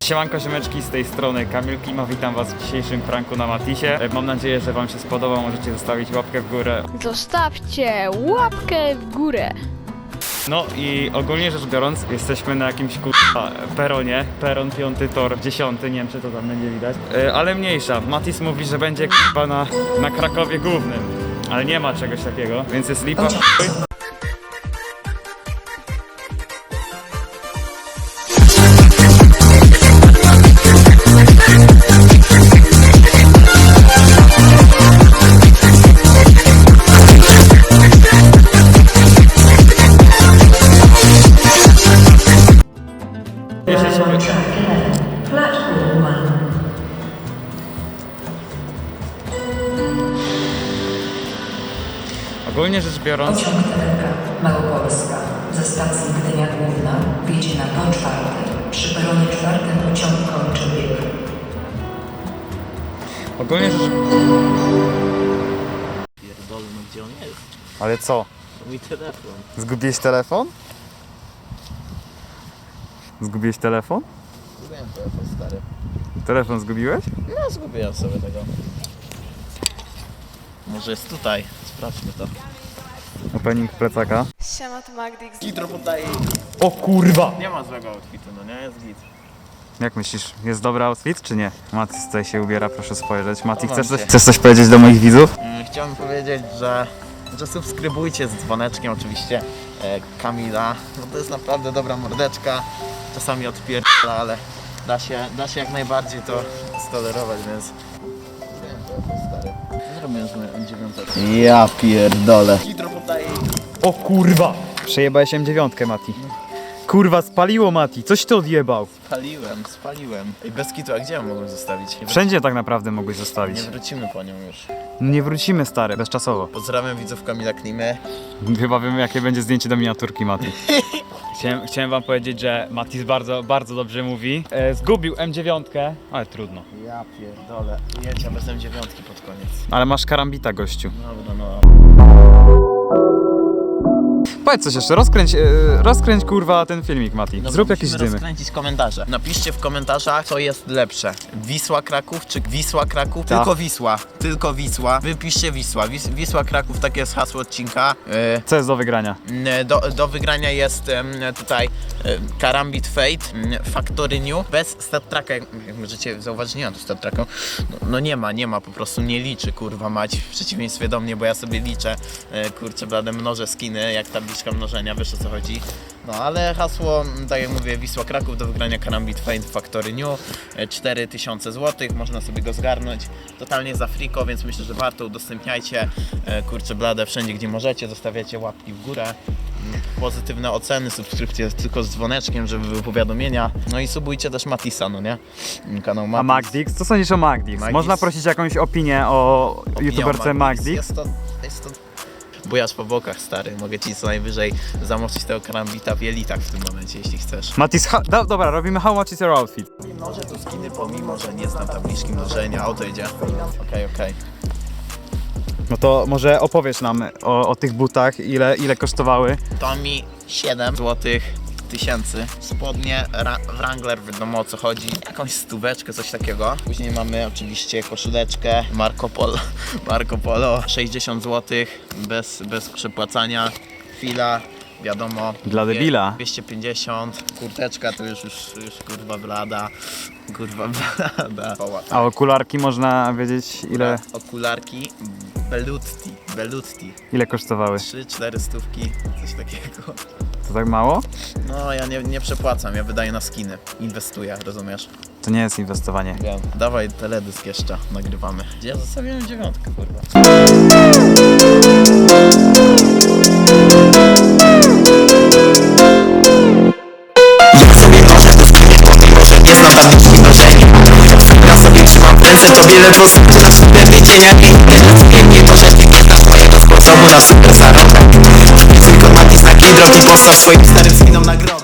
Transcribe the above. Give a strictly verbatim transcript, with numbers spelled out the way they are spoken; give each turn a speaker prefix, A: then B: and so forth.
A: Siemanko ziomeczki, z tej strony Kamil Klima, witam was w dzisiejszym pranku na Matisie. Mam nadzieję, że wam się spodoba, możecie zostawić łapkę w górę.
B: Zostawcie łapkę w górę.
A: No i ogólnie rzecz biorąc, jesteśmy na jakimś kurwa peronie, peron piąty, tor dziesiąty, nie wiem czy to tam będzie widać, yy, ale mniejsza. Matis mówi, że będzie kurwa na, na Krakowie Głównym, ale nie ma czegoś takiego, więc jest lipa. Ogólnie rzecz biorąc...
C: Pociąg T D K Małopolska ze stacji Gdynia Główna wjedzie na tor czwarty. Przy peronie czwartym pociąg kończy bieg.
A: Ogólnie rzecz...
D: Pierdolę, no gdzie on jest?
A: Ale co?
D: Mój telefon.
A: Zgubiłeś telefon? Zgubiłeś telefon?
D: Zgubiłem telefon, stary.
A: Telefon zgubiłeś?
D: No, zgubiłem sobie tego. Może jest tutaj. Sprawdźmy to.
A: Opening plecaka.
B: Siema, to Magdix.
D: Gitro poddaje.
A: O kurwa!
D: Nie ma złego outfitu, no nie? Jest git.
A: Jak myślisz, jest dobry outfit czy nie? Matis tutaj się ubiera, proszę spojrzeć. Mati,
D: Chowam
A: chcesz coś,
D: się.
A: chcesz coś powiedzieć do moich widzów?
D: Mm, Chciałem powiedzieć, że, że subskrybujcie z dzwoneczkiem oczywiście e, Kamila. No to jest naprawdę dobra mordeczka. Czasami odpierdala, ale da się, da się jak najbardziej to stolerować, więc... Zgubiłem telefon, stary. Zrobiłem sobie M dziewięć. Ja pierdolę. Gitro poddaje.
A: O kurwa! Przejebałeś M dziewięć, Mati. Kurwa, spaliło Mati, coś ty odjebał.
D: Spaliłem, spaliłem. Ej, bez kitu, a gdzie ją mogłem zostawić? Nie, wró-
A: Wszędzie tak naprawdę mogłeś zostawić.
D: nie wrócimy po nią już.
A: Nie wrócimy, stary, bezczasowo.
D: Pozdrawiam widzów Kamila Klimy.
A: Chyba wiemy, jakie będzie zdjęcie do miniaturki Mati. Chciałem, chciałem wam powiedzieć, że Matis bardzo, bardzo dobrze mówi. E, zgubił M dziewięć, ale trudno.
D: Ja pierdolę. Ujęcia bez M dziewięć pod koniec.
A: Ale masz karambita, gościu.
D: Dobra, no.
A: Powiedz coś jeszcze, rozkręć, e, rozkręć kurwa ten filmik, Mati.
D: Dobra,
A: Zrób jakieś
D: musimy
A: dymy.
D: rozkręcić komentarze. Napiszcie w komentarzach, co jest lepsze. Wisła Kraków czy Wisła Kraków?
A: Tak.
D: Tylko Wisła. Tylko Wisła. Wypiszcie Wisła. Wis Wisła Kraków, takie jest hasło odcinka. Yy,
A: Co jest do wygrania?
D: Do, do wygrania jest em, tutaj em, Karambit Fate, em, Factory New, bez stat tracka, jak, jak możecie zauważyć, nie ma tu stat tracka, no, no nie ma, nie ma, po prostu nie liczy, kurwa mać, w przeciwieństwie do mnie, bo ja sobie liczę, e, kurczę blade, mnożę skiny, jak tabliczka mnożenia, wiesz o co chodzi. No ale hasło, tak jak mówię, Wisła Kraków, do wygrania Karambit Fate, Factory New, e, cztery tysiące złotych, można sobie go zgarnąć, totalnie za friko, więc myślę, że warto, udostępniajcie, e, kurczę blade, wszędzie gdzie możecie, zostawiacie łapki w górę. Pozytywne oceny, subskrypcje tylko z dzwoneczkiem, żeby były powiadomienia. No i subujcie też Matisa, no nie? Kanał Matis.
A: A Magdix? Co sądzisz o Magdix?
D: Magdix.
A: Można prosić jakąś opinię o
D: Opinia
A: youtuberce
D: o
A: Magdix?
D: Jest to, jest to bujasz po bokach, stary. Mogę ci co najwyżej zamoczyć tego karambita w jelitach w tym momencie, jeśli chcesz.
A: Matis, ha- do, dobra, robimy how much is your outfit?
D: Mnożę tu skiny, pomimo że nie znam tabliczki mnożenia. O, to idzie. Okej, okej.
A: No to może opowiesz nam o, o tych butach, ile, ile kosztowały.
D: To mi siedem złotych tysięcy. Spodnie Ra Wrangler, wiadomo o co chodzi. Jakąś stóweczkę, coś takiego. Później mamy oczywiście koszuleczkę Marco Polo. Marco Polo, sześćdziesiąt złotych bez, bez przepłacania. Fila, wiadomo.
A: Dla
D: dwie-
A: debila.
D: dwieście pięćdziesiąt. Kurteczka to już, już, już kurwa blada. Kurwa blada.
A: A okularki można wiedzieć ile,
D: Okularki Belutti. Belutti.
A: ile kosztowały?
D: trzy cztery stówki, coś takiego.
A: To tak mało?
D: No, ja nie, nie przepłacam, ja wydaję na skiny. Inwestuję, rozumiesz?
A: To nie jest inwestowanie.
D: Wiem. Dawaj teledysk jeszcze, nagrywamy. Gdzie ja zostawiłem dziewiątkę, kurwa?
E: Nie znam tabliczki mnożenia. Ja sobie trzymam w ręce, tobie ledwo słyszę super cienia i pięknie to, że nie znasz mojego sposobu na super zarobek. Tylko napisz na drogi, postaw swoim starym skinom nagrodę.